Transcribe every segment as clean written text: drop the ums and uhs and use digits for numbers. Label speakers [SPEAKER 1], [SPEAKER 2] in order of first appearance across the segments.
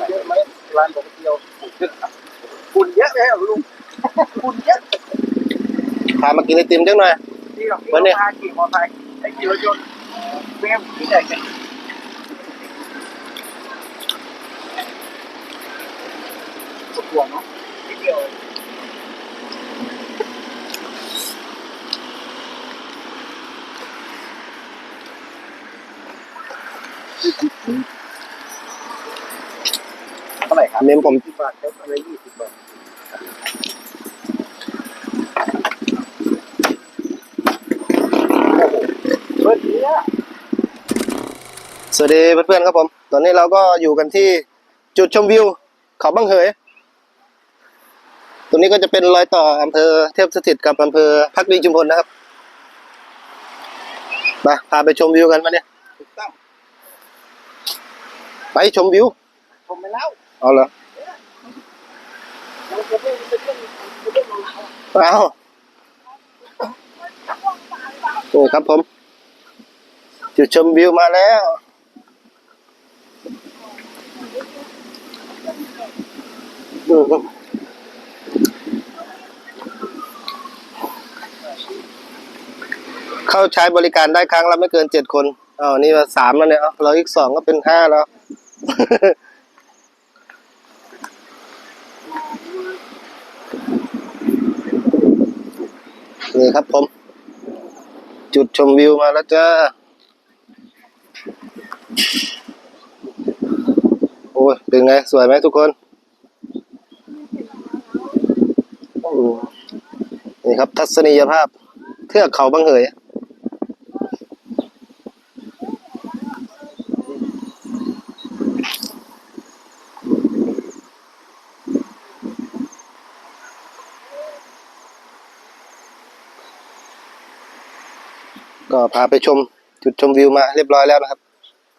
[SPEAKER 1] เยอะไหมร้านผมเดียวฝุ่นเยอะเลยเหรอลุงฝุ่นเยอะพามากินไอติมจังหน่อยวันนี้พาขี่มอเตอร์ไซค์ไอ้ขี่รถยนต์ไม่งั้นที่ไหนกันปวดหัวเนาะนิดเดียวเท่าไหร่ครับเมมผม10 บาทแล้วอะไร20 บาทเปิดเนี้ยสวัสดีเพื่อนๆครับผมตอนนี้เราก็อยู่กันที่จุดชมวิวเขาบังเหยตรงนี้ก็จะเป็นรอยต่ออำเภอเทพสถิตกับอำเภอภักดีชุมพลนะครับมาพาไปชมวิวกันมาเนี่ยไปชมวิวชมไปแล้วเอาเหรอเอาโอ้ครับผมจุดชมวิวมาแล้วเข้าใช้บริการได้ครั้งละไม่เกิน7 คนนี่มา3แล้วเนี่ยเราอีก2ก็เป็น5แล้วนี่ครับผมจุดชมวิวมาแล้วจ้าโอ้ยเป็นไงสวยไหมทุกคนนี่ครับทัศนียภาพเทือกเขาบังเหยก็พาไปชมจุดชมวิวมาเรียบร้อยแล้วนะครับ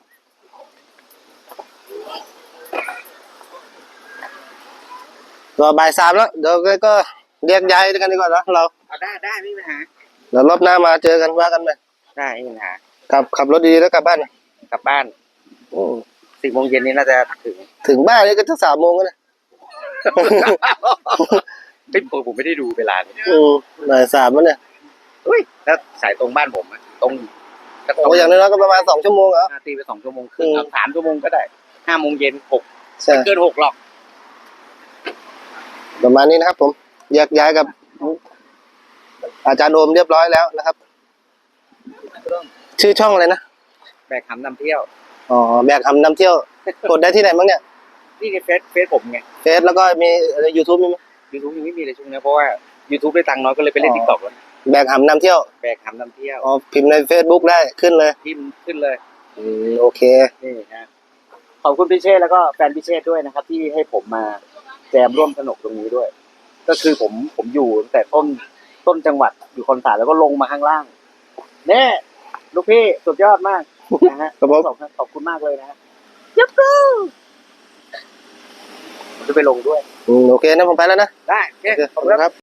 [SPEAKER 1] ก็บ่าย 3แล้วเดี๋ยวก็แยกย้ายกันดีกว่านะเรา
[SPEAKER 2] ได้ไม่มีปัญหา
[SPEAKER 1] เดี๋ยวรอบหน้ามาเจอกันว่ากันไหม
[SPEAKER 2] ได้ไม่มีปัญหา
[SPEAKER 1] ขับรถดีๆแล้วกลับบ้าน
[SPEAKER 2] 10 โมงเย็นนี้น่าจะ
[SPEAKER 1] ถึงบ้านนี่ก็จะ3 โมงแล้วนะ
[SPEAKER 2] ผมไม่ได้ดูเวลาเลย
[SPEAKER 1] บ่าย 3แล้วเนี่ย
[SPEAKER 2] แล้วสายตรงบ้านผมตรง
[SPEAKER 1] อย่างน้อยก็ประมาณ2 ชั่วโมง
[SPEAKER 2] ตีไป2 ชั่วโมงครึ่ง3 ชั่วโมงก็ได้5 โมงเย็น6ไม่เกิน6หรอก
[SPEAKER 1] ประมาณนี้นะครับผมแยกย้ายกับอาจารย์โอมเรียบร้อยแล้วนะครับชื่อช่องอะไรนะ
[SPEAKER 2] แบกหำนำเที่ยว
[SPEAKER 1] แบกหำนำเที่ยวกดได้ที่ไหนบ้างเนี่ย
[SPEAKER 2] นี่ในเฟซผมไง
[SPEAKER 1] เฟซแล้วก็มีYouTube มีไหม
[SPEAKER 2] YouTube ยังไม่มีเลยช่วงนี้เพราะว่า YouTube ได้ตังค์น้อยก็เลยไปเล่น TikTok แล้ว
[SPEAKER 1] แบกหำนำเที่ยวพิมพ์ใน Facebook ได้ขึ้นเลย
[SPEAKER 2] พิมพ์ขึ้นเลย
[SPEAKER 1] โอเค
[SPEAKER 2] นี่นะขอบคุณพี่เชษแล้วก็แฟนพี่เชษด้วยนะครับที่ให้ผมมาแจมร่วมสนุกตรงนี้ด้วยก็คือผมอยู่ตั้งแต่ต้นจังหวัดอยู่คอนสารแล้วก็ลงมาข้างล่างเนี่ยลูกพี่สุดยอดมากนะฮะขอบคุณมากเลยนะฮะยับกูผมจะไปลงด้วย
[SPEAKER 1] โอเคนะผมไปแล้วนะ
[SPEAKER 2] ได้
[SPEAKER 1] ขอบคุณครับ